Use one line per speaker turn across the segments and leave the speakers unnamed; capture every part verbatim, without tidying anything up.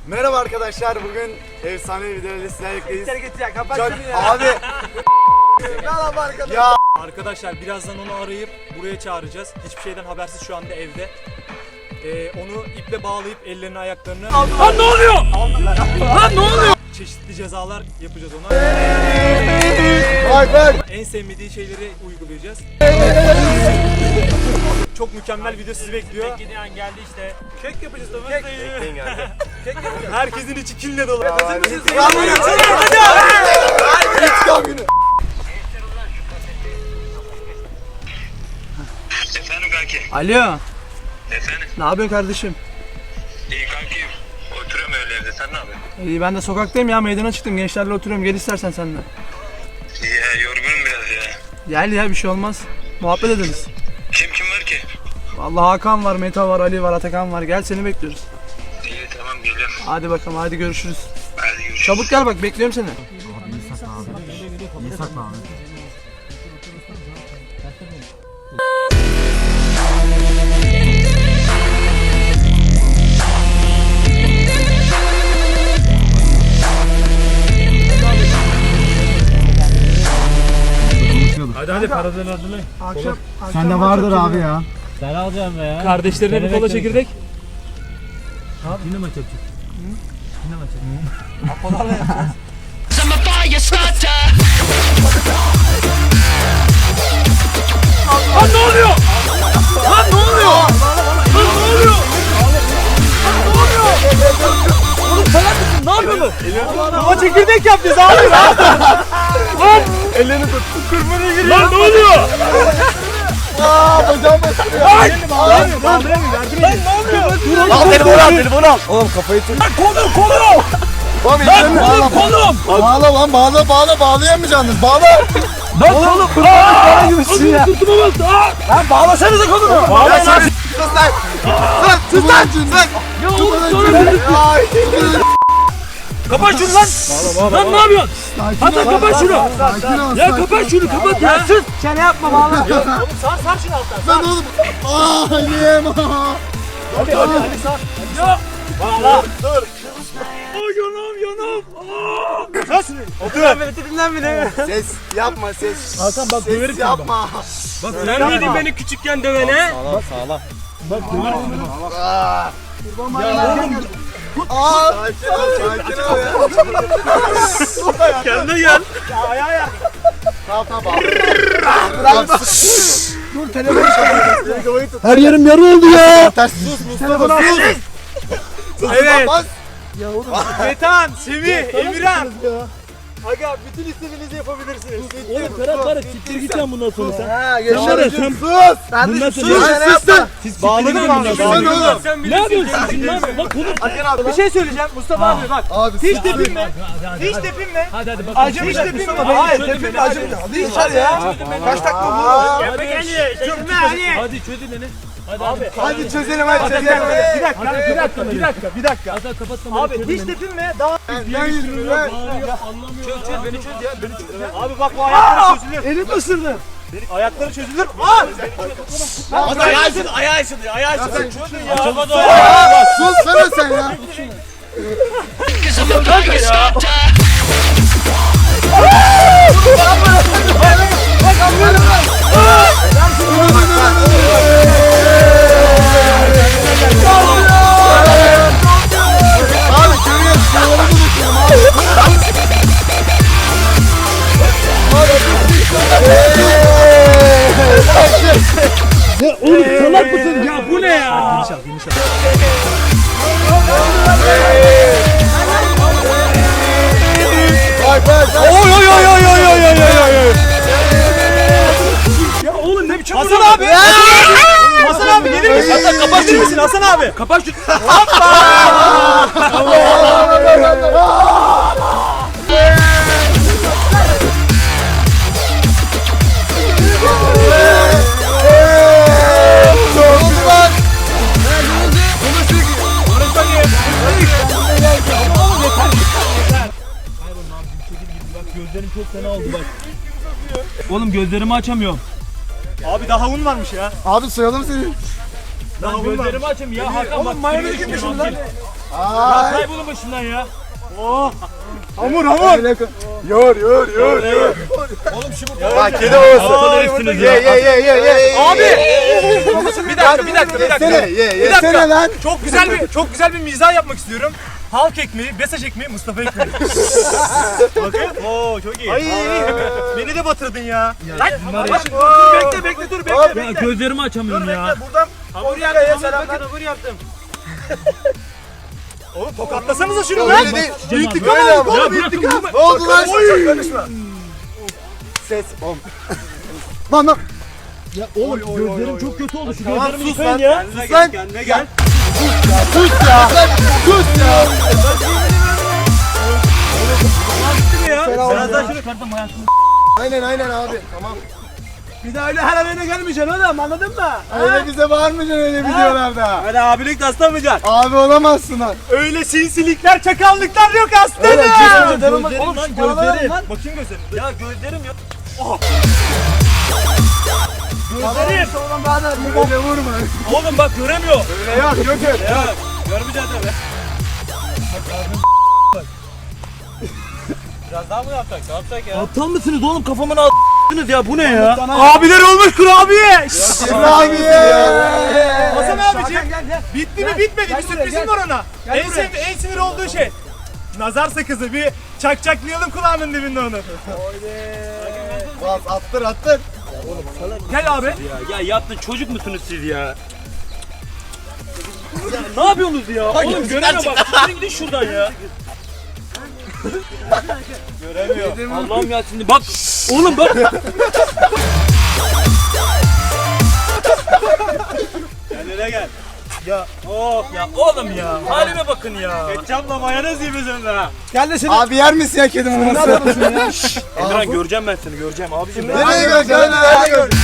Merhaba arkadaşlar, bugün efsane bir videoyla sizlerleyiz.
Kapat
Çok
şunu ya.
abi.
Merhaba arkadaşlar.
Ya
Arkadaşlar birazdan onu arayıp buraya çağıracağız. Hiçbir şeyden habersiz şu anda evde. Ee, onu iple bağlayıp ellerini ayaklarını... Lan ne oluyor? Lan ne oluyor? Çeşitli cezalar yapacağız ona.
bak bak.
En sevmediği şeyleri uygulayacağız. Çok mükemmel video sizi bekliyor.
Beklediği an geldi işte. Kek yapacağız da kek. Bekleyin geldi. Kek yapacağız.
Herkesin içi kinle dolu.
Hazır
mısınız?
İntikam günü.
Efendim kanki.
Alo.
Efendim.
Ne yapıyorsun kardeşim?
İyi kanki. Oturuyorum öyle evde. Sen ne yapıyorsun?
İyi ben de sokaktayım ya, meydana çıktım, gençlerle oturuyorum, gel istersen sen de.
İyi ya, yorgunum biraz ya.
Gel ya, bir şey olmaz. Muhabbet ederiz.
Kim kim var ki?
Vallahi Hakan var, Meta var, Ali var, Atakan var, gel seni bekliyoruz.
İyi tamam geliyorum.
Hadi bakalım, hadi görüşürüz.
Hadi görüşürüz.
Çabuk gel bak, bekliyorum seni.
Hadi hadi paradan adını.
Akşam,
Sende vardır abi ya.
Ben alacağım be ya.
Kardeşlerine bir kola çekirdek.
Yine maç yapacak. Yine maç yapacak.
Apolarla yapacağız.
Lan ne oluyor? Lan ne oluyor? Lan ne oluyor? Oğlum salak mısın? Ne yapıyorsun? Kola çekirdek yapacağız abi. Lan!
Ellerini tut.
Kırmızı giriyor. Lan ne oluyor?
Aa bacağım basıyor.
Lan!
Lan
Lan ne oluyor?
al telefonu al telefonu al. Oğlum kafayı tut.
Lan kolum kolum!
Oğlum
Lan
ellerini
kolum
bağla.
kolum!
Bağla lan bağla bağla bağlayamayacaksınız. Bağla.
Lan kolum! Aaa! Gibisin ya. Sırtıma bastı. Lan bağlasanıza kolumu. Bağlayın lan.
Sus lan. Sus lan. Sus lan.
Ya oğlum sonra
Ay.
kapat şunu lan. Lan ne yapıyorsun? Hadi kapat şunu.
Sakin ol.
Ya kapat şunu kapat ya. Sus.
Çene yapma bağla.
Oğlum sar sar şunu alttan.
Ben oğlum. Aa yiyemem.
Hadi hadi hadi sar. Ya. Bağla. Dur. Ay yanım yanım. Aa! Sar şunu.
Otur. Tipinden bile.
Ses yapma ses.
Hakan bak
Ses
döverim
yapma.
Bak sen miydin beni küçükken dövene?
Sağlam sağlam. Bak döverim bunu. Aa. Ya oğlum. Aa. Sakin ol sakin ol ya.
Kendine gel.
Ayağa ayak.
Tamam tamam. Bırak.
Dur, telefonu çalıyor.
Her yerim yarı oldu ya. Sus Mustafa sus.
Evet.
Bas.
Metan, Semih, Emirhan.
Aga bütün istediğinizi yapabilirsiniz.
Oğlum Ferhat var ya, siktir gideceğim bundan sonra sen.
Ha
Sen var ya,
yaşa.
sen-
Sus.
Ben
Bundan
de
sonra-
sus.
Sen
Çene yapma.
Siz
Bağladın
siktir
mı?
gidin bundan
Sen
sonra.
oğlum.
Sen
Ne yapıyorsun sen? Ne yapıyorsun? Bak konu.
Akın abi.
Bir şey söyleyeceğim Mustafa abi bak.
Abi
Hiç
sus.
tepinme.
Hadi hadi
Hiç
hadi.
tepinme.
Hadi hadi bak.
Acımış tepinme. Hayır tepinme acımış. Hadi içer ya. Kaç dakika oldu?
Hadi
Tepinme hadi.
Hadi çözün beni. Hadi abi.
Hadi çözelim hadi çözelim.
Bir dakika, bir dakika, bir dakika, bir dakika.
Hadi kapat kamerayı.
Abi
çözün
hiç
beni.
tepinme. Daha
Ben yürüyorum ben.
Bağırıyor, anlamıyor.
Çöz çöz beni çöz ya. Beni çöz ya.
abi bak bu ayakları çözülür.
Elim ısırdı.
Ayakları çözülür. Aa!
Hadi ayağı ısırdı.
Ayağı ısınıyor. Ayağı ısınıyor. Çözün ya.
Sus sana sen ya. Abi görüyorsun şuraları unutuyorum abi.
Ya oğlum salak mısın ya, bu ne ya?
Bak bak.
Oy oy oy oy oy oy oy oy.
Ya oğlum ne biçim
Hasan abi.
Hasan abi gelir misin?
Hasan kapat şunu Hasan abi. Kapat şunu.
Gözlerim çok fena oldu bak. Oğlum gözlerimi açamıyorum.
Abi daha un varmış ya.
Abi soyalım seni.
Lan gözlerimi açayım ya Hakan bak. Mayonez gibi şunu lan.
Ay.
Kaybolun başımdan ya.
Hamur hamur. Yor yor yor yor.
Oğlum şu bu.
Bak kedi olsun.
Aa,
Ye ye ye ye ye.
Abi! bir dakika, bir dakika, bir dakika.
Yesene ye
Bir
yesene
dakika.
lan.
Çok güzel bir çok güzel bir mizah yapmak istiyorum. Halk ekmeği, Besaç ekmeği, Mustafa ekmeği. Bakın. Oo çok iyi. Ay, beni de batırdın ya. Lan, bak, dur bekle bekle dur bekle
Ya
bekle.
gözlerimi açamıyorum ya.
Buradan
Hamur yaptım. Selamlar. Hamur yaptım.
oğlum tokatlasanıza şunu lan.
Öyle değil.
İntikam
Böyle ama.
Ya bırakın bunu.
Ne oldu lan? Çok konuşma. Ses. Bom. Lan lan.
Ya oğlum gözlerim çok kötü oldu. Şu
Tamam,
gözlerimi
sus
yıkayın
lan.
ya.
Sus lan.
Kendine gel.
Sus ya. Sus ya.
Birazdan şunu çıkartım hayatımı.
Aynen aynen abi. Tamam.
Bir daha öyle her arayına gelmeyeceksin oğlum, anladın mı?
Öyle bize bağırmayacaksın öyle videolarda.
Öyle abilik taslamayacaksın.
Abi olamazsın lan.
Öyle sinsilikler, çakallıklar yok aslında.
Öyle kesince
Gözlerim
Oğlum
lan
şu paraları
gözlerim.
al lan. Bakayım gözlerim.
Ya gözlerim ya.
Gözlerim. Oğlum bana öyle vurma.
Oğlum bak göremiyor.
Öyle yok yok öyle.
Ya görmeyeceğiz tabii.
Biraz daha mı yapsak? Ne yapsak ya?
Aptal mısınız oğlum kafamın a**tınız ya bu ne ya?
Abiler olmuş kurabiye.
Kurabiye.
Hasan abiciğim.
Gel gel.
Bitti mi bitmedi
Gel
bir
buraya,
sürprizim
gel.
var ona.
Gel
En,
buraya.
sev en sinir olduğu şey. Nazar sakızı bir çakçaklayalım kulağının dibinde onu.
Bas attır attır.
Gel abi.
Ya, ya yaptın çocuk musunuz siz ya? Ya ne yapıyorsunuz ya? Oğlum göremiyorum bak. Sizin gidin şuradan ya. Göremiyor. Allah'ım ya şimdi bak. Oğlum bak.
Kendine gel.
Ya oh ya oğlum ya. Halime bakın ya.
Ketçapla mayonez gibisin be.
Gel de seni.
Abi yer misin ya kedi maması?
Emran göreceğim ben seni göreceğim abicim.
Nereye göreceksin? Nereye göreceksin?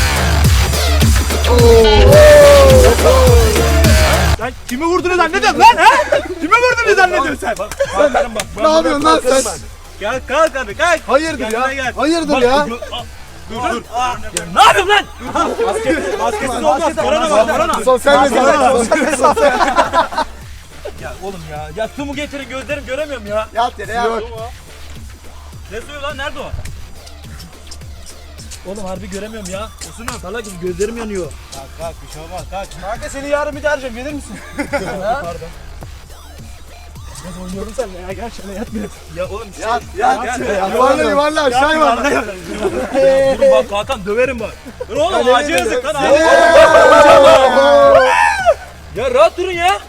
Sen kimi vurduğunu zannediyorsun lan ha? Kimi vurduğunu zannediyorsun sen?
Bak bak bak.
Ne yapıyorsun lan sen?
Gel kalk hadi kalk.
Hayırdır
Kendine
ya?
gel.
Hayırdır ya?
Dur dur. Ne yapıyorsun lan?
Maskesiz olmaz. Korona var korona.
Sosyal mesafe. Sosyal mesafe.
Ya oğlum ya. Ya su mu getirin gözlerim göremiyorum ya.
Yat yere yat.
Ne suyu lan nerede o? Oğlum harbi göremiyorum ya. Osunum. Salakım gözlerim yanıyor.
Kalk kalk bir şey olmaz kalk.
Kanka seni yarın bir daha arayacağım, gelir misin?
Pardon.
Ben oynuyorum seninle ya, gel şöyle yat biraz.
Ya oğlum şey.
Yat yat. Yuvarla yuvarla aşağı yuvarla.
Durun bak Hakan döverim bak. Dur oğlum
Ya,
acı
ne
yazık lan
dedim?
abi. Ya rahat durun ya.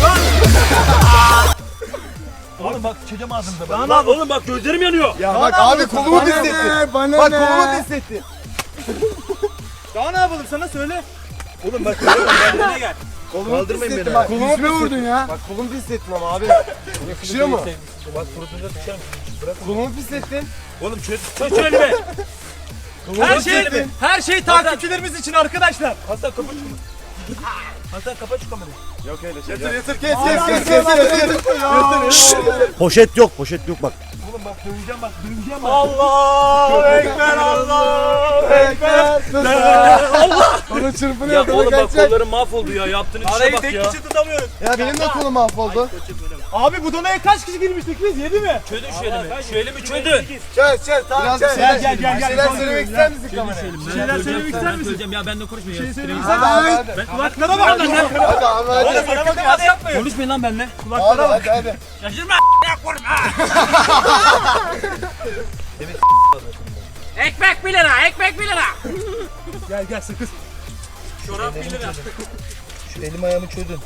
Oğlum bak sıçacağım ağzımda. Lan, lan oğlum bak gözlerim yanıyor.
Ya bak abi kolumu pislettin. Bana
Bak
ne?
kolumu pislettin. Daha ne yapalım sana söyle.
Oğlum bak
Kendine gel.
Kolumu
Kaldırmayın
pislettin
beni.
bak.
Kolumu
Yüzüme
pislettin.
vurdun ya.
Bak kolumu pislettin ama abi.
Yakışıyor mu?
Bak kurutunca sıçarım.
Kolumu pislettin.
Oğlum çöz çöz şu elimi.
Her şey, her şey takipçilerimiz için arkadaşlar.
Hasan kapat şunu. Hasan kapat şu kamerayı.
Yok öyle şey.
Yatır yatır kes kes kes kes kes.
Poşet yok, poşet yok bak.
Oğlum bak döveceğim bak döveceğim bak.
Allah ekber Allah ekber.
Allah. Onu
Ya
çırpınıyor.
oğlum bak
kaçacak.
kollarım mahvoldu ya yaptığınız işe
Arayı
bak
tek
ya.
kişi tutamıyoruz.
Ya benim de kolum mahvoldu.
Abi bu donaya kaç kişi girmiştik biz? Yedi mi?
Çözün şu elimi. Şu elimi çözün.
Çöz çöz tamam çöz.
Gel, gel, gel,
Bir
gel.
şeyler söylemek ister misin kameraya?
Bir
şeyler söylemek ister misin?
Söyleyeceğim ya ben de konuşmayayım.
Şey
ya.
söyleyeyim
Siktireyim.
sen.
Hadi hadi.
Ben kulaklara bak.
Hadi abi hadi.
Oğlum bana bakın hadi yapmayın.
Konuşmayın lan benimle.
Hadi
Kulaklara bak.
hadi hadi.
Şaşırma.
Ekmek bir lira, ekmek bir lira.
Gel gel sakız.
Çorap bir lira.
Şu elim ayağımı çözün.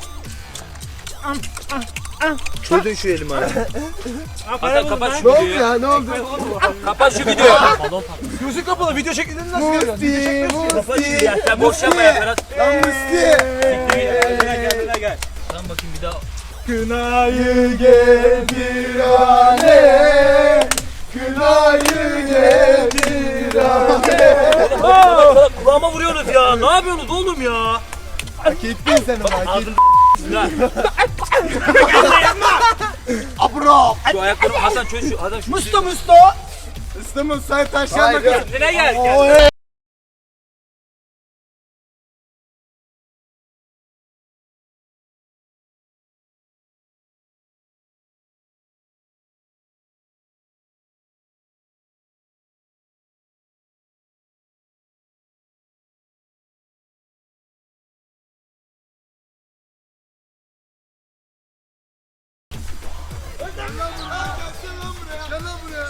Çözün şu elim ayağımı. Hasan kapat şu
Ne oldu
videoyu.
ya ne oldu?
Kapat şu videoyu.
Gözü kapalı video şeklinde nasıl görüyorsun?
Musti Musti.
Ya sen boş yapma ya Ferhat.
Lan Musti.
Kendine kendine gel.
Lan bakayım bir daha.
Kınayı
Getir alem. Kınayı getir alem.
Aa, kulağıma vuruyorsunuz ya. Ne yapıyorsunuz oğlum ya?
Hak ettin sen onu hak ettin.
Lan
Abro.
şu ayaklarımı Hasan çöz şu. Hasan şu.
Musta Musta. Musta sen taşyan bakalım.
Kendine gel.
Oy.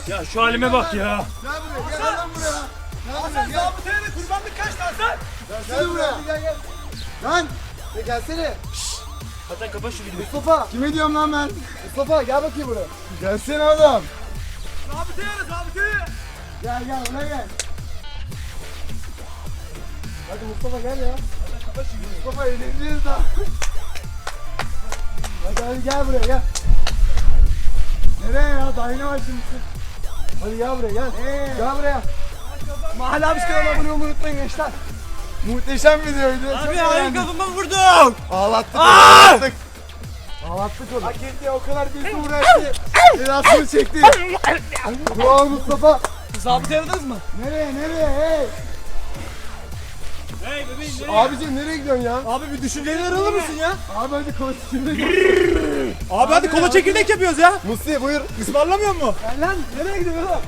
Ya şu halime bak ya.
Gel buraya gel lan buraya. Gel buraya gel.
Zabıtaya da kurbanlık kaç lan sen?
Gel buraya. Gel gel. Lan. Ya gelsene.
Hasan kapat şu videoyu.
Mustafa. Kime diyorum lan ben? Mustafa gel bakayım buraya. Gelsene oğlum.
Zabıtaya da zabıtaya.
Gel gel buraya gel. Hadi Mustafa gel ya. Mustafa eğleneceğiz daha. Hadi hadi gel buraya gel. Nereye ya? Daha yeni başlamışsın. Hadi gel buraya gel. Gel buraya. Mahalle abisi kanalına abone olmayı unutmayın gençler. Muhteşem videoydu. Çok
Abi
eğlendim.
ayın kafama vurdum.
Ağlattık onu, ağlattık. Ağlattık onu. Hak etti o kadar bir uğraştı. Cezasını çekti. Bravo Mustafa.
Zabıtaya aradınız mı?
Nereye nereye hey?
Hey bebeğim nereye?
Abicim nereye gidiyorsun ya?
Abi bir düşüncelerini alır mısın ya?
Abi hadi kola çekirdek.
Abi hadi kola çekirdek yapıyoruz ya.
Musti buyur.
Ismarlamıyor mu?
Gel lan nereye gidiyorsun oğlum?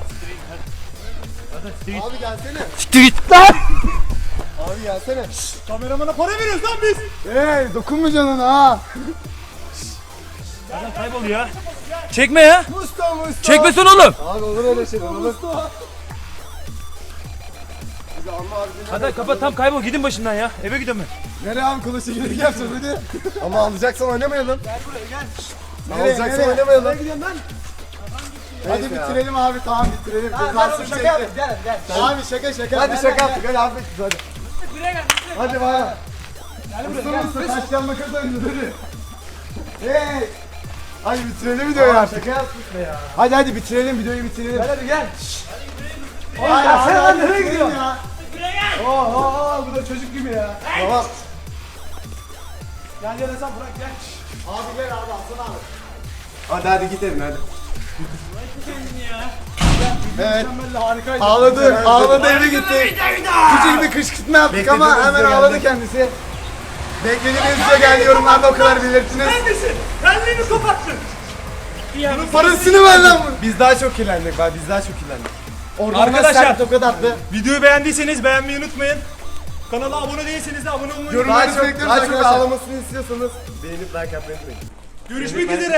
Abi gelsene.
Siktir git lan.
Abi gelsene.
Kameramana para veriyoruz lan biz.
Hey dokunma canına ha.
Hasan kaybol ya. Çekme ya.
Musta Musta.
Çekmesin oğlum.
Abi olur öyle şeyler olur. Bizi alma abi.
Hasan kapat tam kaybol gidin başımdan ya. Eve gidiyorum ben.
Nereye abi kola çekirdek yapacağız hadi. Ama alacaksan oynamayalım. Gel buraya gel. Nereye, alacaksan nereye? Oynamayalım. Nereye gidiyorsun lan? Hadi bitirelim abi tamam bitirelim. Cezasını çekti. Gel gel. Abi şaka şaka. Hadi şaka yaptık hadi abi hadi.
Buraya gel.
Hadi bana. Gel buraya gel. Taştan makas oynuyoruz hadi. Hey. Hadi bitirelim videoyu artık. Şaka yaptık be ya. Hadi hadi bitirelim videoyu bitirelim. Gel hadi gel. Oğlum ya sen lan nereye gidiyorsun ya?
Buraya gel.
Oo oo bu da çocuk gibi ya. Tamam.
Gel gel Hasan bırak gel.
Abi gel abi alsana abi. Hadi hadi gidelim hadi. Evet.
Harikaydı.
Ağladı, ağladı eve gitti. Küçük bir kışkırtma yaptık ama hemen ağladı kendisi. Beklediğinizce geldi yorumlarda o kadar belirttiniz.
Neredesin? Benliğini koparttın.
Bunun parasını ver lan bunu. Biz daha çok kirlendik bak biz daha çok kirlendik. Orada
Arkadaşlar,
tokat attı.
Videoyu beğendiyseniz beğenmeyi unutmayın. Kanala abone değilseniz de abone olmayı unutmayın.
Yorumlarınızı bekliyoruz arkadaşlar. Daha çok ağlamasını istiyorsanız beğenip like yapmayı unutmayın.
Görüşmek üzere.